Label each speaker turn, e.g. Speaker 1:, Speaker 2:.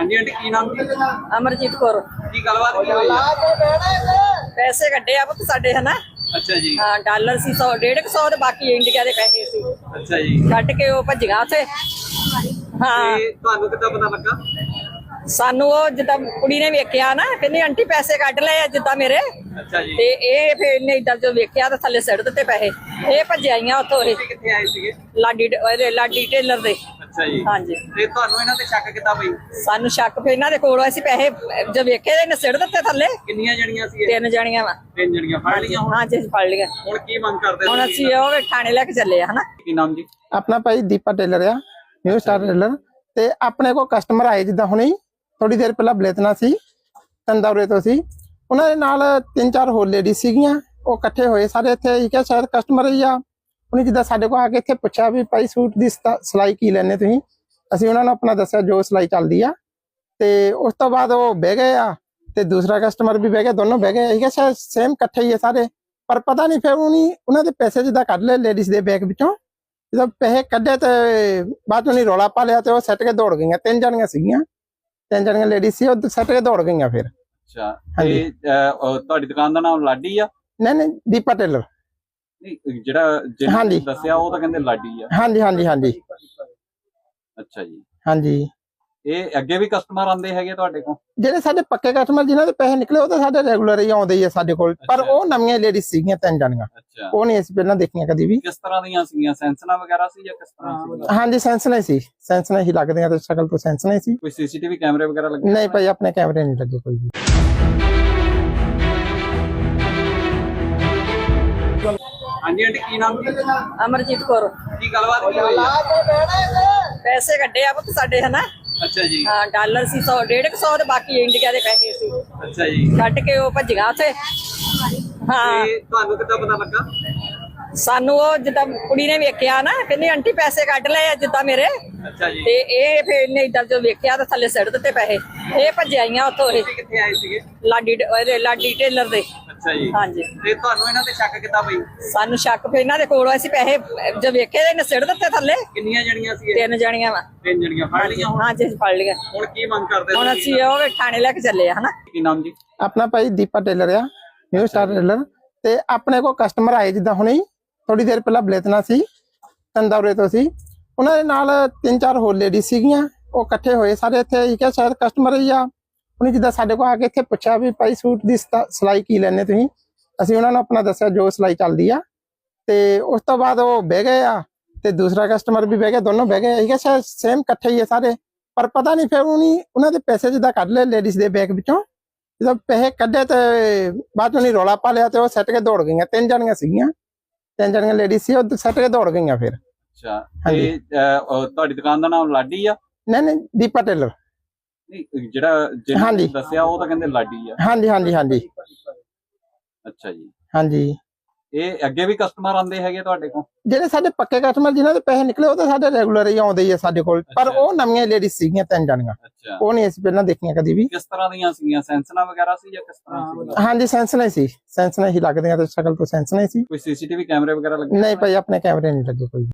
Speaker 1: ਹਾਂਜੀ ਆਂਟੀ ਕੀ ਨਾਮ ਜੀ?
Speaker 2: ਅਮਰਜੀਤ ਕੌਰ।
Speaker 1: ਕੀ ਗੱਲਬਾਤ ਕੀ ਹੋਈ ਆ?
Speaker 2: ਪੈਸੇ ਕੱਢੇ ਆ ਪੁੱਤ ਸਾਡੇ ਹਨਾ।
Speaker 1: ਅੱਛਾ ਜੀ।
Speaker 2: ਹਾਂ ਡਾਲਰ ਸੀ 100 150 ਤੇ ਬਾਕੀ ਇੰਡੀਆ ਦੇ ਪੈਸੇ ਸੀ।
Speaker 1: ਅੱਛਾ ਜੀ।
Speaker 2: ਕੱਢ ਕੇ ਉਹ ਭੱਜੀਆਂ ਉੱਥੇ। ਹਾਂ
Speaker 1: ਤੇ ਤੁਹਾਨੂੰ ਕਿੱਦਾਂ ਪਤਾ ਲੱਗਾ?
Speaker 2: ਸਾਨੂੰ ਉਹ ਜਿੱਦਾਂ ਕੁੜੀ ਨੇ ਵੇਖਿਆ ਨਾ, ਕਹਿੰਦੀ ਆਂਟੀ ਪੈਸੇ ਕੱਢ ਲਏ ਆ ਜਿੱਦਾਂ ਮੇਰੇ।
Speaker 1: ਅੱਛਾ ਜੀ।
Speaker 2: ਤੇ ਇਹ ਫਿਰ ਇਹਨੇ ਇਦਾਂ ਜੋ ਵੇਖਿਆ ਤਾਂ ਥੱਲੇ ਸਿੱਟ ਦਿੱਤੇ ਪੈਸੇ। ਇਹ ਭੱਜਿਆਈਆਂ ਉੱਥੋਂ ਇਹ
Speaker 1: ਤੁਸੀਂ ਕਿੱਥੇ ਆਏ ਸੀਗੇ?
Speaker 2: ਲਾਡੀ ਟੇਲਰ ਦੇ।
Speaker 1: ਅੱਛਾ ਜੀ।
Speaker 2: ਹਾਂਜੀ।
Speaker 1: ਤੇ ਤੁਹਾਨੂੰ ਇਹਨਾਂ ਤੇ ਸ਼ੱਕ ਕਿੱਦਾਂ ਪਈ?
Speaker 2: ਸਾਨੂੰ ਸ਼ੱਕ ਫਿਰ ਇਹਨਾਂ ਦੇ ਕੋਲ ਅਸੀਂ ਪੈਸੇ ਜੋ ਵੇਖੇ ਇਹਨੇ ਸਿੱਟ ਦਿੱਤੇ ਥੱਲੇ।
Speaker 1: ਕਿੰਨੀਆਂ ਜਣੀਆਂ ਸੀ ਇਹ?
Speaker 2: 3 ਜਣੀਆਂ ਵਾ।
Speaker 1: 3 ਜਣੀਆਂ ਫੜ ਲਈਆਂ ਹੁਣ?
Speaker 2: ਹਾਂਜੀ ਅਸੀਂ ਫੜ ਲਿਆ।
Speaker 1: ਹੁਣ ਕੀ ਮੰਗ ਕਰਦੇ
Speaker 2: ਹੁਣ
Speaker 1: ਤੁਸੀਂ?
Speaker 2: ਅਸੀਂ ਉਹ ਥਾਣੇ ਲੈ ਕੇ ਚੱਲੇ ਆ ਹਨਾ।
Speaker 1: ਕੀ ਨਾਮ ਜੀ?
Speaker 3: अपना भाई दीपा टेलर आ न्यू स्टार टेलर ते अपने को कस्टमर आए जिदा हुणे थोड़ी देर पहला बलेतना सी तंदौरे तो सी उन्हां दे नाल 3-4 होर लेडीज सीगियां ਉਹ ਇਕੱਠੇ ਹੋਏ ਸਾਰੇ ਇੱਥੇ ਇਹ ਕਿਹਾ ਸ਼ਾਇਦ ਕਸਟਮਰ ਹੀ ਆ। ਉਹਨੇ ਜਿੱਦਾਂ ਸਾਡੇ ਕੋਲ ਆ ਕੇ ਇੱਥੇ ਪੁੱਛਿਆ ਵੀ ਭਾਈ ਸੂਟ ਦੀ ਸਿਲਾਈ ਕੀ ਲੈਣੇ ਤੁਸੀਂ। ਅਸੀਂ ਉਹਨਾਂ ਨੂੰ ਆਪਣਾ ਦੱਸਿਆ ਜੋ ਸਿਲਾਈ ਚੱਲਦੀ ਆ ਤੇ ਉਸ ਤੋਂ ਬਾਅਦ ਉਹ ਬਹਿ ਗਏ ਆ ਤੇ ਦੂਸਰਾ ਕਸਟਮਰ ਵੀ ਬਹਿ ਗਿਆ, ਦੋਨੋਂ ਬਹਿ ਗਏ। ਇਹ ਕਿਹਾ ਸ਼ਾਇਦ ਸੇਮ ਇਕੱਠੇ ਹੀ ਆ ਸਾਰੇ, ਪਰ ਪਤਾ ਨਹੀਂ ਫਿਰ ਉਹਨਾਂ ਦੇ ਪੈਸੇ ਜਿੱਦਾਂ ਕੱਢ ਲਏ ਲੇਡੀਜ਼ ਦੇ ਬੈਗ ਵਿੱਚੋਂ। ਜਦੋਂ ਪੈਸੇ ਕੱਢੇ ਤੇ ਬਾਅਦ ਉਹਨੇ ਰੌਲਾ ਪਾ ਲਿਆ ਤੇ ਉਹ ਸੱਟ ਕੇ ਦੌੜ ਗਈਆਂ। 3 ਜਣੀਆਂ ਸੀਗੀਆਂ, 3 ਜਣੀਆਂ ਲੇਡੀਜ਼ ਸੀ, ਉਹ ਸੱਟ ਕੇ ਦੌੜ ਗਈਆਂ ਫਿਰ।
Speaker 1: ਅੱਛਾ ਤੇ ਤੁਹਾਡੀ ਦੁਕਾਨ ਦਾ ਨਾਮ ਲਾਡੀ ਆ?
Speaker 3: ਨਹੀਂ ਦੀਪਾ ਟੇਲਰ।
Speaker 1: ਨਹੀਂ ਜਿਹੜਾ ਜਿਹਨੇ ਦੱਸਿਆ ਉਹ ਤਾਂ ਕਹਿੰਦੇ ਲਾਡੀ ਆ।
Speaker 3: ਹਾਂਜੀ ਹਾਂਜੀ ਹਾਂਜੀ।
Speaker 1: ਅੱਛਾ ਜੀ।
Speaker 3: ਹਾਂਜੀ
Speaker 1: ਇਹ ਅੱਗੇ ਵੀ ਕਸਟਮਰ ਆਉਂਦੇ ਹੈਗੇ ਤੁਹਾਡੇ ਕੋਲ?
Speaker 3: ਜਿਹੜੇ ਸਾਡੇ ਪੱਕੇ ਕਸਟਮਰ ਜਿਨ੍ਹਾਂ ਦੇ ਪੈਸੇ ਨਿਕਲੇ ਉਹ ਤਾਂ ਸਾਡੇ ਰੈਗੂਲਰ ਹੀ ਆਉਂਦੇ ਹੀ ਆ ਸਾਡੇ ਕੋਲ, ਪਰ ਉਹ ਨਵੀਆਂ ਲੇਡੀਜ਼ ਸੀਗੀਆਂ 3 ਜਣੀਆਂ।
Speaker 1: ਅੱਛਾ।
Speaker 3: ਉਹ ਨਹੀਂ ਅਸੀਂ ਪਹਿਲਾਂ ਦੇਖੀਆਂ ਕਦੀ ਵੀ।
Speaker 1: ਕਿਸ ਤਰ੍ਹਾਂ ਦੀਆਂ ਸੀਗੀਆਂ? ਸੈਂਸਨਾ ਵਗੈਰਾ ਸੀ ਜਾਂ ਕਿਸ ਤਰ੍ਹਾਂ ਸੀ?
Speaker 3: ਹਾਂਜੀ ਸੈਂਸਨਾ ਸੀ, ਸੈਂਸਨਾ ਹੀ ਲੱਗਦੇ ਆ ਤੇ ਸ਼ਕਲ ਤੋਂ ਸੈਂਸਨਾ ਸੀ।
Speaker 1: ਕੋਈ ਸੀਸੀਟੀਵੀ ਕੈਮਰੇ ਵਗੈਰਾ ਲੱਗੇ?
Speaker 3: ਨਹੀਂ ਭਾਈ ਆਪਣੇ ਕੈਮਰੇ ਨਹੀਂ ਲੱਗੇ ਕੋਈ ਵੀ।
Speaker 1: ਹਾਂਜੀ ਆਂਟੀ ਕੀ ਨਾਮ ਜੀ?
Speaker 2: ਅਮਰਜੀਤ ਕੌਰ।
Speaker 1: ਕੀ ਗੱਲਬਾਤ ਕੀ ਹੋਈ ਆ?
Speaker 2: ਪੈਸੇ ਕੱਢੇ ਆ ਪੁੱਤ ਸਾਡੇ ਹਨਾ।
Speaker 1: ਅੱਛਾ ਜੀ।
Speaker 2: ਹਾਂ ਡਾਲਰ ਸੀ 100 150 ਤੇ ਬਾਕੀ ਇੰਡੀਆ ਦੇ ਪੈਸੇ ਸੀ।
Speaker 1: ਅੱਛਾ ਜੀ।
Speaker 2: ਕੱਢ ਕੇ ਉਹ ਭੱਜੀਆਂ ਉੱਥੇ। ਹਾਂ
Speaker 1: ਤੇ ਤੁਹਾਨੂੰ ਕਿੱਦਾਂ ਪਤਾ ਲੱਗਾ?
Speaker 2: ਸਾਨੂੰ ਉਹ ਜਿੱਦਾਂ ਕੁੜੀ ਨੇ ਵੇਖਿਆ ਨਾ, ਕਹਿੰਦੀ ਆਂਟੀ ਪੈਸੇ ਕੱਢ ਲਏ ਆ ਜਿੱਦਾਂ ਮੇਰੇ।
Speaker 1: ਅੱਛਾ ਜੀ।
Speaker 2: ਤੇ ਇਹ ਫਿਰ ਇਹਨੇ ਇਦਾਂ ਜੋ ਵੇਖਿਆ ਤਾਂ ਥੱਲੇ ਸਿੱਟ ਦਿੱਤੇ ਪੈਸੇ। ਇਹ ਭੱਜਿਆਈਆਂ ਉੱਥੋਂ ਇਹ
Speaker 1: ਤੁਸੀਂ ਕਿੱਥੇ ਆਏ ਸੀਗੇ?
Speaker 2: ਲਾਡੀ ਟੇਲਰ ਦੇ।
Speaker 1: ਅੱਛਾ ਜੀ।
Speaker 2: ਹਾਂਜੀ।
Speaker 1: ਤੇ ਤੁਹਾਨੂੰ ਇਹਨਾਂ ਤੇ ਸ਼ੱਕ ਕਿੱਦਾਂ ਪਈ?
Speaker 2: ਸਾਨੂੰ ਸ਼ੱਕ ਫਿਰ ਇਹਨਾਂ ਦੇ ਕੋਲ ਅਸੀਂ ਪੈਸੇ ਜੋ ਵੇਖੇ ਇਹਨੇ ਸਿੱਟ ਦਿੱਤੇ ਥੱਲੇ।
Speaker 1: ਕਿੰਨੀਆਂ ਜਣੀਆਂ ਸੀ ਇਹ?
Speaker 2: 3 ਜਣੀਆਂ ਵਾ।
Speaker 1: 3 ਜਣੀਆਂ ਫੜ ਲਈਆਂ ਹੁਣ?
Speaker 2: ਹਾਂਜੀ ਅਸੀਂ ਫੜ ਲਿਆ।
Speaker 1: ਹੁਣ ਕੀ ਮੰਗ ਕਰਦੇ
Speaker 2: ਹੁਣ ਅਸੀਂ ਉਹ ਥਾਣੇ ਲੈ ਕੇ ਚੱਲੇ ਆ ਹਨਾ।
Speaker 1: ਕੀ ਨਾਮ ਜੀ?
Speaker 3: ਆਪਣਾ ਭਾਈ ਦੀਪਾ ਟੇਲਰ ਆ ਨਿਊ ਸਟਾਰ ਟੇਲਰ ਤੇ ਆਪਣੇ ਕੋਲ ਕਸਟਮਰ ਆਏ ਜਿੱਦਾਂ ਹੁਣੇ ਥੋੜੀ ਦੇਰ ਪਹਿਲਾਂ ਬਲੇਤਨਾ ਸੀ ਤੰਦੌਰੇ ਤੋਂ ਸੀ। ਉਹਨਾਂ ਦੇ ਨਾਲ 3-4 ਹੋਰ ਲੇਡੀਜ਼ ਸੀਗੀਆਂ, ਉਹ ਇਕੱਠੇ ਹੋਏ ਸਾਰੇ ਇੱਥੇ ਇਹ ਕਿਹਾ ਸ਼ਾਇਦ ਕਸਟਮਰ ਹੀ ਆ। ਉਹਨੇ ਜਿੱਦਾਂ ਸਾਡੇ ਕੋਲ ਆ ਕੇ ਇੱਥੇ ਪੁੱਛਿਆ ਵੀ ਭਾਈ ਸੂਟ ਦੀ ਸਿਲਾਈ ਕੀ ਲੈਣੇ ਤੁਸੀਂ। ਅਸੀਂ ਉਹਨਾਂ ਨੂੰ ਆਪਣਾ ਦੱਸਿਆ ਜੋ ਸਿਲਾਈ ਚੱਲਦੀ ਆ ਤੇ ਉਸ ਤੋਂ ਬਾਅਦ ਉਹ ਬਹਿ ਗਏ ਆ ਤੇ ਦੂਸਰਾ ਕਸਟਮਰ ਵੀ ਬਹਿ ਗਿਆ, ਦੋਨੋਂ ਬਹਿ ਗਏ। ਇਹ ਕਿਹਾ ਸ਼ਾਇਦ ਸੇਮ ਇਕੱਠੇ ਹੀ ਆ ਸਾਰੇ, ਪਰ ਪਤਾ ਨਹੀਂ ਫਿਰ ਉਹਨਾਂ ਦੇ ਪੈਸੇ ਜਿੱਦਾਂ ਕੱਢ ਲਏ ਲੇਡੀਜ਼ ਦੇ ਬੈਗ ਵਿੱਚੋਂ। ਜਦੋਂ ਪੈਸੇ ਕੱਢੇ ਤੇ ਬਾਅਦ ਉਹਨੇ ਰੌਲਾ ਪਾ ਲਿਆ ਤੇ ਉਹ ਸੱਟ ਕੇ ਦੌੜ ਗਈਆਂ। 3 ਜਣੀਆਂ ਸੀਗੀਆਂ, 3 ਜਣੀਆਂ ਲੇਡੀਜ਼ ਸੀ, ਉਹ ਸੱਟ ਕੇ ਦੌੜ ਗਈਆਂ ਫਿਰ।
Speaker 1: ਅੱਛਾ ਤੇ ਤੁਹਾਡੀ ਦੁਕਾਨ ਦਾ ਨਾਮ ਲਾਡੀ ਆ?
Speaker 3: ਨਹੀਂ ਦੀਪਾ ਟੇਲਰ।
Speaker 1: ਨਹੀਂ ਜਿਹੜਾ ਜਿਹਨੇ ਦੱਸਿਆ ਉਹ ਤਾਂ ਕਹਿੰਦੇ ਲਾਡੀ ਆ।
Speaker 3: ਹਾਂਜੀ ਹਾਂਜੀ ਹਾਂਜੀ।
Speaker 1: ਅੱਛਾ ਜੀ।
Speaker 3: ਹਾਂਜੀ
Speaker 1: ਇਹ ਅੱਗੇ ਵੀ ਕਸਟਮਰ ਆਉਂਦੇ ਹੈਗੇ ਤੁਹਾਡੇ ਕੋਲ?
Speaker 3: ਜਿਹੜੇ ਸਾਡੇ ਪੱਕੇ ਕਸਟਮਰ ਜਿਨ੍ਹਾਂ ਦੇ ਪੈਸੇ ਨਿਕਲੇ ਉਹ ਤਾਂ ਸਾਡੇ ਰੈਗੂਲਰ ਹੀ ਆਉਂਦੇ ਹੀ ਆ ਸਾਡੇ ਕੋਲ, ਪਰ ਉਹ ਨਵੀਆਂ ਲੇਡੀਜ਼ ਸੀਗੀਆਂ 3 ਜਣੀਆਂ।
Speaker 1: ਅੱਛਾ।
Speaker 3: ਉਹ ਨਹੀਂ ਅਸੀਂ ਪਹਿਲਾਂ ਦੇਖੀਆਂ ਕਦੀ ਵੀ।
Speaker 1: ਕਿਸ ਤਰ੍ਹਾਂ ਦੀਆਂ ਸੀਗੀਆਂ? ਸੈਂਸਨਾ ਵਗੈਰਾ ਸੀ ਜਾਂ ਕਿਸ ਤਰ੍ਹਾਂ ਸੀ?
Speaker 3: ਹਾਂਜੀ ਸੈਂਸਨਾ ਸੀ, ਸੈਂਸਨਾ ਹੀ ਲੱਗਦੇ ਆ ਤੇ ਸ਼ਕਲ ਤੋਂ ਸੈਂਸਨਾ ਸੀ।
Speaker 1: ਕੋਈ ਸੀਸੀਟੀਵੀ ਕੈਮਰੇ ਵਗੈਰਾ ਲੱਗੇ?
Speaker 3: ਨਹੀਂ ਭਾਈ ਆਪਣੇ ਕੈਮਰੇ ਨਹੀਂ ਲੱਗੇ ਕੋਈ ਵੀ।